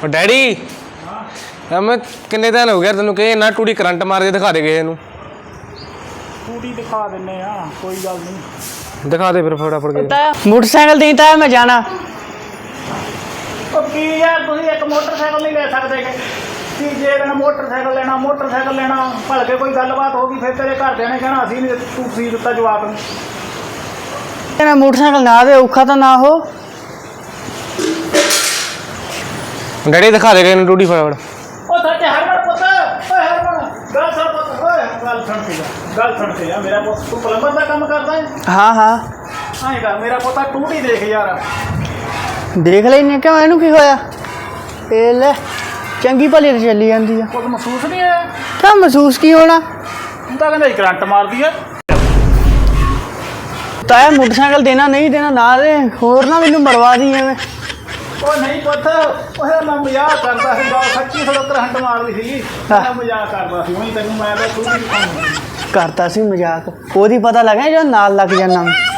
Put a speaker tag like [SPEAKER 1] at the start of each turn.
[SPEAKER 1] daddy मैं किन्ने दिन हो गया तेन कहे ना टूटी करंट मार के दिखा दे गए
[SPEAKER 2] टूटी दिखा देने कोई गल नहीं
[SPEAKER 1] दिखा दे फिर फटाफट
[SPEAKER 3] मोटरसाइकिल देता है मैं जाना
[SPEAKER 2] की यार तुम एक मोटरसाइकिल नहीं ले सकते कि जे मोटरसाइकिल लेना भलके कोई गलबात होगी फिर तेरे घरदे ने कहना असीं नहीं तू सी दिता जवाब
[SPEAKER 3] मेरा मोटरसाइकिल ना दे औखा तो ना हो
[SPEAKER 1] डैडी दिखा दे गए टूटी फटाफट
[SPEAKER 2] सच हरमन पुत हरमन गल सुन के जा मेरा पुत तू प्लंबर का काम करता है
[SPEAKER 3] हाँ हाँ
[SPEAKER 2] आएगा मेरा पुत टूटी देख यार
[SPEAKER 3] देख लेने क्यों इनू की होया ए ले चंगी भली तो चली जाती है
[SPEAKER 2] कुछ महसूस नहीं है
[SPEAKER 3] क्या महसूस की होना
[SPEAKER 2] तू तो कहना करंट मार दी है
[SPEAKER 3] ताया मोटरसाइकिल देना नहीं देना ना दे होर ना मैनू मरवा दी है
[SPEAKER 2] नहीं पुत मैं मजाक करता सच्ची थोड़ा करंट मार दी थी मैं मजाक करता वही तेन मैं
[SPEAKER 3] करता सी मजाक ओदी पता लगा जो नाल लग जाना